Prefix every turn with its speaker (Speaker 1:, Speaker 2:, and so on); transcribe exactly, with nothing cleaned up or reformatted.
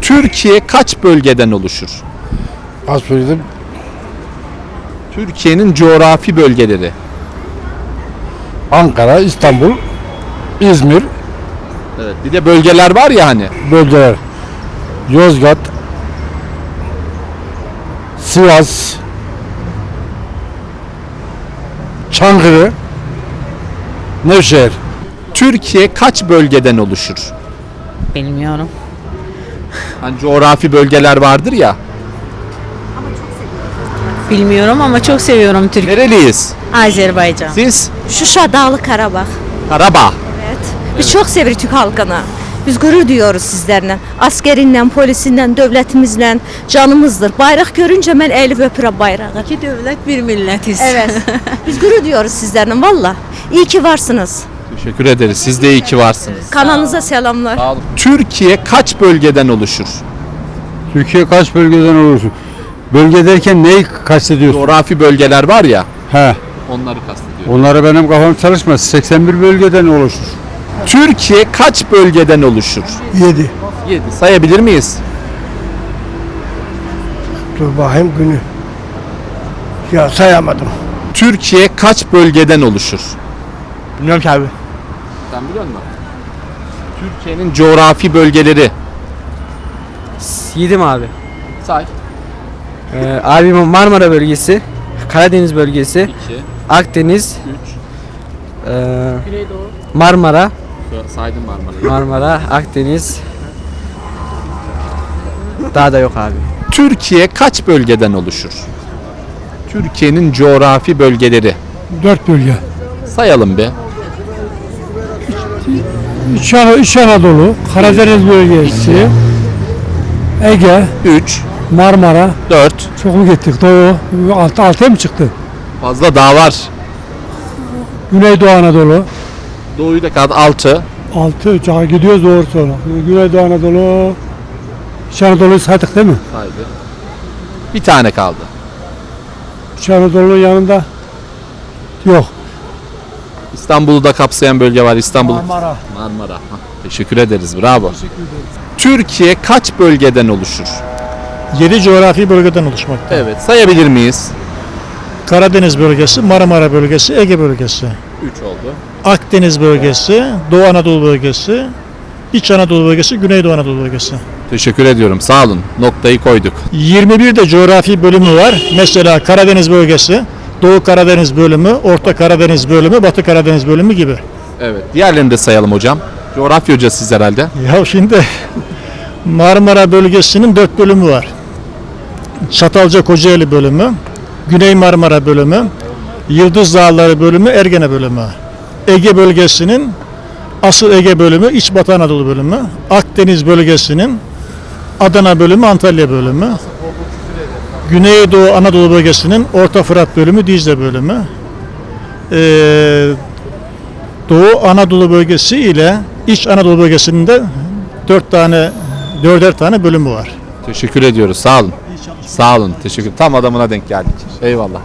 Speaker 1: Türkiye kaç bölgeden oluşur?
Speaker 2: Az söyledim.
Speaker 1: Türkiye'nin coğrafi bölgeleri.
Speaker 2: Ankara, İstanbul, İzmir,
Speaker 1: Evet. Bir de bölgeler var ya hani.
Speaker 2: bölgeler. Yozgat, Sivas, Çankırı, Nevşehir.
Speaker 1: Türkiye kaç bölgeden oluşur?
Speaker 3: Bilmiyorum.
Speaker 1: Hani coğrafi bölgeler vardır ya.
Speaker 3: Bilmiyorum ama çok seviyorum Türkiye.
Speaker 1: Nereliyiz?
Speaker 3: Azerbaycan.
Speaker 1: Siz?
Speaker 4: Şuşa, Dağlı Karabağ.
Speaker 1: Karabağ.
Speaker 4: Evet. Biz çok sevirik Türk halkını. Biz gurur duyuyoruz sizlerle. Askerinden, polisinden, devletimizle canımızdır. Bayrak görünce ben eğilip öpürüm bayrağı.
Speaker 3: İki devlet bir milletiz.
Speaker 4: Evet. Biz gurur duyuyoruz sizlerle valla. İyi ki varsınız.
Speaker 1: Teşekkür ederiz. Siz de iyi ki varsınız.
Speaker 4: Kanalınıza selamlar.
Speaker 1: Sağ olun. Türkiye kaç bölgeden oluşur?
Speaker 2: Türkiye kaç bölgeden olursun? Bölge derken neyi kastediyorsun?
Speaker 1: Coğrafi bölgeler var ya.
Speaker 2: He,
Speaker 1: Onları kastediyorum.
Speaker 2: onlara benim kafam çalışmaz. seksen bir bölgeden oluşur.
Speaker 1: Türkiye kaç bölgeden oluşur?
Speaker 5: Yedi.
Speaker 1: yedi. Sayabilir miyiz?
Speaker 5: Dur bakayım günü. Ya sayamadım.
Speaker 1: Türkiye kaç bölgeden oluşur?
Speaker 5: Bilmiyorum ki abi.
Speaker 1: Sen biliyor musun? Türkiye'nin coğrafi bölgeleri.
Speaker 6: Yedim abi.
Speaker 1: Say.
Speaker 6: Ee, abim Marmara bölgesi, Karadeniz bölgesi,
Speaker 1: iki,
Speaker 6: Akdeniz,
Speaker 1: üç.
Speaker 6: e, Marmara,
Speaker 1: Saydım Marmara'yı.
Speaker 6: Marmara, Akdeniz. Daha da yok abi.
Speaker 1: Türkiye kaç bölgeden oluşur? Türkiye'nin coğrafi bölgeleri.
Speaker 5: Dört bölge.
Speaker 1: Sayalım be.
Speaker 5: İç, An- İç Anadolu, Karadeniz bölgesi, Ege,
Speaker 1: üç,
Speaker 5: Marmara.
Speaker 1: dört.
Speaker 5: Çok mu gittik? Doğu. Altı, altıya mı çıktı?
Speaker 1: Fazla dağ var.
Speaker 5: Güneydoğu Anadolu.
Speaker 1: Doğuyu da kaldı altı.
Speaker 5: Altı. Daha gidiyoruz doğru sonra. Güneydoğu Anadolu. İç Anadolu'yu saydık değil mi?
Speaker 1: Saydı. Bir tane kaldı.
Speaker 5: İç Anadolu'nun yanında yok.
Speaker 1: İstanbul'u da kapsayan bölge var. İstanbul.
Speaker 5: Marmara.
Speaker 1: Marmara. Hah, teşekkür ederiz. Bravo. Türkiye kaç bölgeden oluşur?
Speaker 7: yedi coğrafi bölgeden oluşmakta.
Speaker 1: Evet. Sayabilir miyiz?
Speaker 7: Karadeniz bölgesi, Marmara bölgesi, Ege bölgesi,
Speaker 1: üç oldu.
Speaker 7: Akdeniz bölgesi, Doğu Anadolu bölgesi, İç Anadolu bölgesi, Güneydoğu Anadolu bölgesi.
Speaker 1: Teşekkür ediyorum. Sağ olun. Noktayı koyduk.
Speaker 7: yirmi bir de coğrafi bölümü var. Mesela Karadeniz bölgesi, Doğu Karadeniz bölümü, Orta Karadeniz bölümü, Batı Karadeniz bölümü gibi.
Speaker 1: Evet. Diğerlerini de sayalım hocam. Coğrafya hocasıyız herhalde.
Speaker 7: Ya şimdi Marmara bölgesinin dört bölümü var. Çatalca Kocaeli bölümü, Güney Marmara bölümü, Yıldız Dağları bölümü, Ergene bölümü. Ege bölgesinin asıl Ege bölümü, İç Batı Anadolu bölümü, Akdeniz bölgesinin Adana bölümü, Antalya bölümü, Güneydoğu Anadolu bölgesinin Orta Fırat bölümü, Dicle bölümü, ee, Doğu Anadolu bölgesi ile İç Anadolu bölgesinin de dört tane, dörder tane bölümü var.
Speaker 1: Teşekkür ediyoruz. Sağ olun. Sağ olun. Teşekkür. Tam adamına denk geldik. Eyvallah.